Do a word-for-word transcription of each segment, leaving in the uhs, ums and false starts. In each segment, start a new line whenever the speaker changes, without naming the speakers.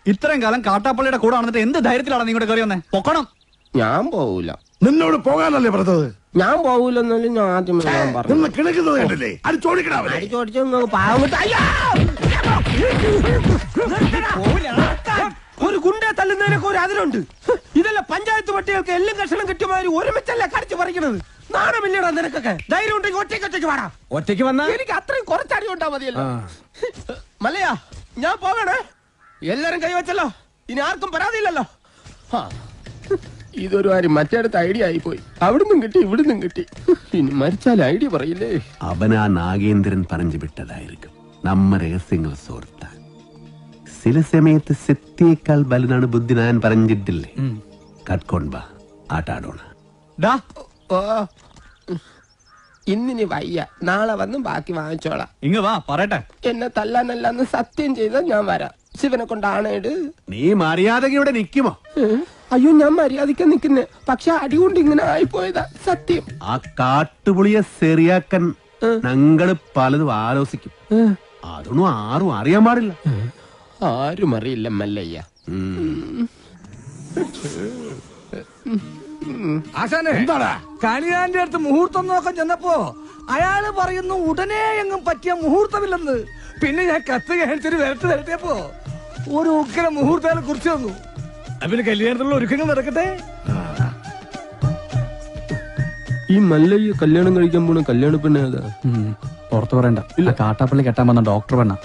ഇത്രയും കാലം കാട്ടാപ്പള്ളിയുടെ കൂടെ വന്നിട്ട് എന്ത് ധൈര്യത്തിലാണ് നിങ്ങളുടെ കയറി വന്നേ? പൊക്കണം.
ഞാൻ പോവൂല.
നിന്നോട് പോകാനല്ലേ പറഞ്ഞത്?
ഞാൻ പോവൂലെന്നല്ലേ ഞാൻ ആദ്യം
പറഞ്ഞു. കിടക്കുന്നത് കണ്ടില്ലേ? അത് ചോദിക്കണേ.
ഒരു ഗുണ്ടെ തല്ലുന്നതിനൊക്കെ ഒരു അതിലുണ്ട്. ഇതല്ല പഞ്ചായത്ത് പട്ടികൾക്ക് എല്ലാം കഷണം കിട്ടിയമാതിരി ഒരുമിച്ചല്ല കടിച്ചു പറിക്കണത്. നാണമില്ലടാ നിനക്കൊക്കെ. ധൈര്യം ഉണ്ടെങ്കിൽ ഒറ്റയ്ക്ക് ഒറ്റയ്ക്ക് വേണം. ഒറ്റയ്ക്ക് വന്നാ എനിക്ക് അത്രയും കുറച്ചടി ഉണ്ടാ മതിയല്ലോ. മല്ലയാ ഞാൻ പോകണേ. എല്ലാരും കൈവച്ചല്ലോ. ഇനി ആർക്കും പരാതിയില്ലല്ലോ. ഇതൊരു കാര്യം മറ്റേടത്ത് ഐഡിയ ആയിപ്പോയി. അവിടുന്നും കിട്ടി ഇവിടുന്നും കിട്ടി. ഇനി മരിച്ചാൽ ഐഡിയ പറയില്ലേ?
അവനാ നാഗേന്ദ്രൻ പറഞ്ഞു വിട്ടതായിരിക്കും. നമ്മ രഹസ്യങ്ങൾ സോർത്താൻ ചില സമയത്ത് സത്യേക്കാൾ ബലനാണ് ബുദ്ധി. ഞാൻ പറഞ്ഞിട്ടില്ലേ? കട്ട്കൊണ്ടാ ആട്ടാടോണ.
ഇന്നിനി വയ്യ. നാളെ വന്നും ബാക്കി വാങ്ങിച്ചോളാം.
ഇങ്ങ വാ പറയട്ടെ.
എന്നെ തല്ലാനല്ലാന്ന് സത്യം ചെയ്താൽ ഞാൻ വരാം. ശിവനെ കൊണ്ടാണേട്.
നീ മര്യാദയോടെ നിക്കുമോ?
അയ്യോ ഞാൻ മര്യാദയ്ക്ക് നിക്കുന്നേ. പക്ഷെ അടികൊണ്ട് ഇങ്ങനെ ആയിപ്പോയതാ സത്യം.
ആ കാട്ടുപുളിയെ ശരിയാക്കാൻ ഞങ്ങള് പലതും ആലോചിക്കും. അതൊന്നും ആരും അറിയാൻ പാടില്ല.
ആരും അറിയില്ല മല്ലയ്യ.
ആശാനെ കണിയാന്റെ അടുത്ത് മുഹൂർത്തം നോക്കാൻ ചെന്നപ്പോ അയാള് പറയുന്നു ഉടനെ എങ്ങും പറ്റിയ മുഹൂർത്തമില്ലെന്ന്. പിന്നെ ഞാൻ കത്ത് കാണിച്ചൊരു വരട്ട് വരട്ടിയപ്പോ ഒരു ഉക്കര മുഹൂർത്തം കുറിച്ച് തന്നു. പിന്നെ കല്യാണത്തിലുള്ള ഒരുക്കങ്ങൾ നടക്കട്ടെ.
ഈ മല്ലയ്യ കല്യാണം കഴിക്കാൻ പോണ കല്യാണ പെണ്ണ ഏതാ?
പുറത്തു പറയണ്ട. ഇല്ല, കാട്ടാപ്പള്ളി കെട്ടാൻ വന്ന ഡോക്ടർ പെണ്ണ.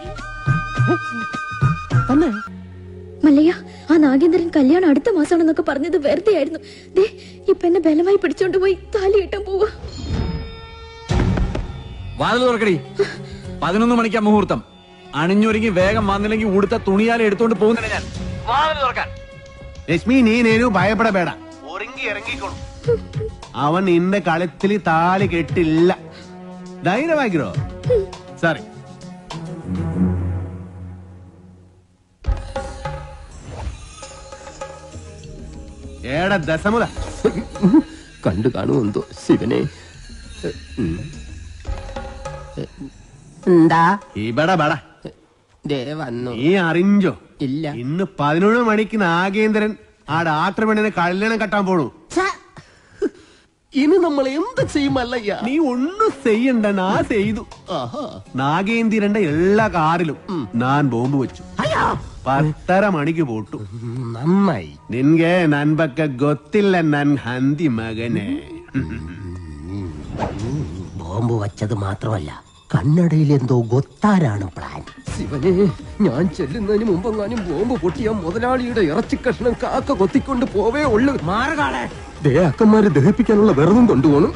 മല്ലയ്യ, ആ നാഗേന്ദ്രൻ കല്യാണം അടുത്ത മാസമാണെന്നൊക്കെ പറഞ്ഞത് വെറുതെ ആയിരുന്നു. ദേ ഇപ്പൊ എന്നെ ബലമായി പിടിച്ചോണ്ട് പോയി താലി കെട്ടാൻ പോവാ.
വാതിൽ തുറക്കടി. പതിനൊന്ന് മണിക്കാ മുഹൂർത്തം. അണിഞ്ഞൊരുങ്ങി വേഗം വന്നില്ലെങ്കിൽ ഉടുത്ത തുണിയാലെ എടുത്തോണ്ട് പോകുന്നില്ല ഞാൻ. വാതിൽ തുറക്കാൻ.
ലക്ഷ്മി, നീ നേരു ഭയപ്പെടಬೇಡ. ഒരുങ്ങി ഇറങ്ങിക്കോളും. അവൻ നിന്റെ കളത്തിൽ താലി കെട്ടില്ല. ധൈര്യമാക്കിരോ. സോറി. ഏടാ ദശമുല
കണ്ടു കാണുമെന്തോ ശിവനെ. എന്താ
ഇവിടെ ബട
വന്നു?
നീ അറിഞ്ഞോ?
ഇല്ല.
ഇന്ന് പതിനൊന്ന് മണിക്ക് നാഗേന്ദ്രൻ ആ ഡാക്ടർ പെണ്ണിനെ കല്യാണം കെട്ടാൻ പോണു.
ഇനി നമ്മൾ എന്ത് ചെയ്യുമല്ലയ്യ?
നീ ഒന്നും ചെയ്യണ്ട, നാ ചെയ്തു. നാഗേന്ദ്രന്റെ എല്ലാ കാറിലും ഞാൻ ബോംബ് വെച്ചു. പത്തര മണിക്ക് പോട്ടു.
നന്നായി.
നിൻಗೆ ನನ್ ಬಗ್ಗೆ ಗೊತ್ತಿಲ್ಲ ನನ್ ಹಂದಿ മകനെ.
ബോംബ് വച്ചത് മാത്രമല്ല, കണ്ണടയിൽ എന്തോ ഗൊത്താരാണ് പ്ലാൻ. ശിവനെ, ഞാൻ ചെല്ലുന്നതിന് മുമ്പെങ്ങാനും ബോംബ് പൊട്ടിയ മുതലാളിയുടെ ഇറച്ചി കഷ്ണം കാക്ക കൊത്തിക്കൊണ്ട് പോവേ ഉള്ളു. മാറുകാളെ ദേ അക്കന്മാരെ ദഹിപ്പിക്കാനുള്ള വെറുതും കൊണ്ടുപോകണം.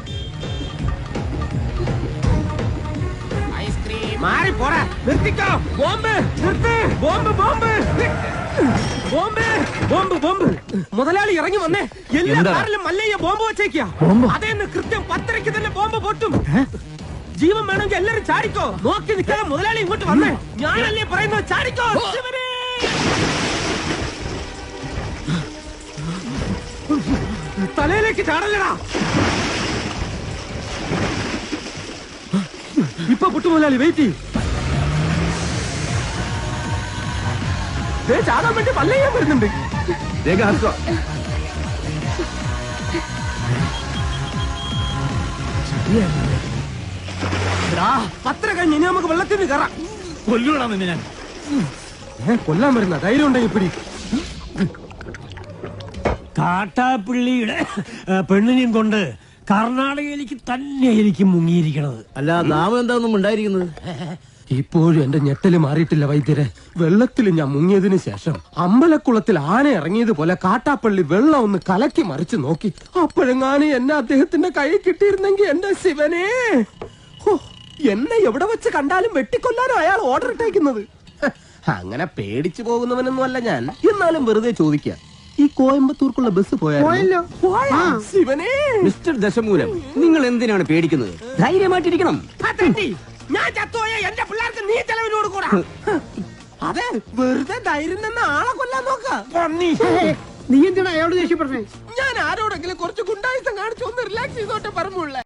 മുതലാളി ഇറങ്ങി വന്നേ. എല്ലാ കാറിലും മല്ലയ്യ ബോംബ് വെച്ചേക്കാ. അതേന്ന് കൃത്യം പത്തരയ്ക്ക് തന്നെ ബോംബ് പൊട്ടും. ജീവൻ വേണമെങ്കിൽ എല്ലാരും ചാടിക്കോ. നോക്കി നിൽക്കാതെ മുതലാളി ഇങ്ങോട്ട് വന്നേ. ഞാനല്ലേ പറയുന്നത്, ചാടിക്കോ. തലയിലേക്ക് ചാടല്ലടാ. ഇപ്പൊ പൊട്ടു മുതലാളി, വെയിറ്റ് ചെയ്യും. ചാടാൻ വേണ്ടി മല്ലയ്യ വരുന്നുണ്ട്. പത്ര കഴിഞ്ഞ് ഇനി നമുക്ക് വെള്ളത്തിൽ നിന്ന് കയറാം.
കൊല്ലൂടാ നിന്നെ ഞാൻ.
കൊല്ലാൻ വരുന്ന ധൈര്യം ഉണ്ടെങ്കിൽ പിടി.
കാട്ടാപ്പിള്ളിയുടെ പെണ്ണിനെയും കൊണ്ട് കർണാടകയിലേക്ക് തന്നെ എനിക്ക് മുങ്ങിയിരിക്കണത്.
അല്ല, നാമം എന്താണെന്നും ഉണ്ടായിരിക്കുന്നത്?
ഇപ്പോഴും എന്റെ ഞെട്ടല് മാറിയിട്ടില്ല വൈദ്യരെ. വെള്ളത്തിൽ ഞാൻ മുങ്ങിയതിനു ശേഷം അമ്പലക്കുളത്തിൽ ആന ഇറങ്ങിയതുപോലെ കാട്ടാപ്പള്ളി വെള്ളം ഒന്ന് കലക്കി മറിച്ച് നോക്കി. അപ്പോഴെങ്ങാനും എന്നെ അദ്ദേഹത്തിന്റെ കൈ കിട്ടിയിരുന്നെങ്കിൽ എന്റെ ശിവനെ, എന്നെ എവിടെ വെച്ച് കണ്ടാലും വെട്ടിക്കൊല്ലാനോ അയാൾ ഓർഡർ ഇട്ടേക്കുന്നത്. അങ്ങനെ പേടിച്ചു പോകുന്നവനൊന്നും അല്ല ഞാൻ. എന്നാലും വെറുതെ ചോദിക്കുക, ഈ കോയമ്പത്തൂർക്കുള്ള ബസ് പോയാലോ? ശിവനെ,
മിസ്റ്റർ ദശമൂലം, നിങ്ങൾ എന്തിനാണ് പേടിക്കുന്നത്? ധൈര്യമായിട്ടിരിക്കണം.
ഞാൻ ചത്തോയ എന്റെ പിള്ളേർക്ക് നീ ചെലവിനോട് കൂടാ. അതെ, വെറുതെ ധൈര്യം നിന്ന് ആളെ കൊല്ലാൻ നോക്ക.
നീ എന്തിനാ അയാളോട് ദേഷ്യപ്പെടുന്നേ?
ഞാൻ ആരോടെങ്കിലും കുറച്ച് ഗുണ്ടായുസം കാണിച്ചു ഒന്ന് റിലാക്സ് ചെയ്തോട്ടെ പറഞ്ഞുള്ളേ.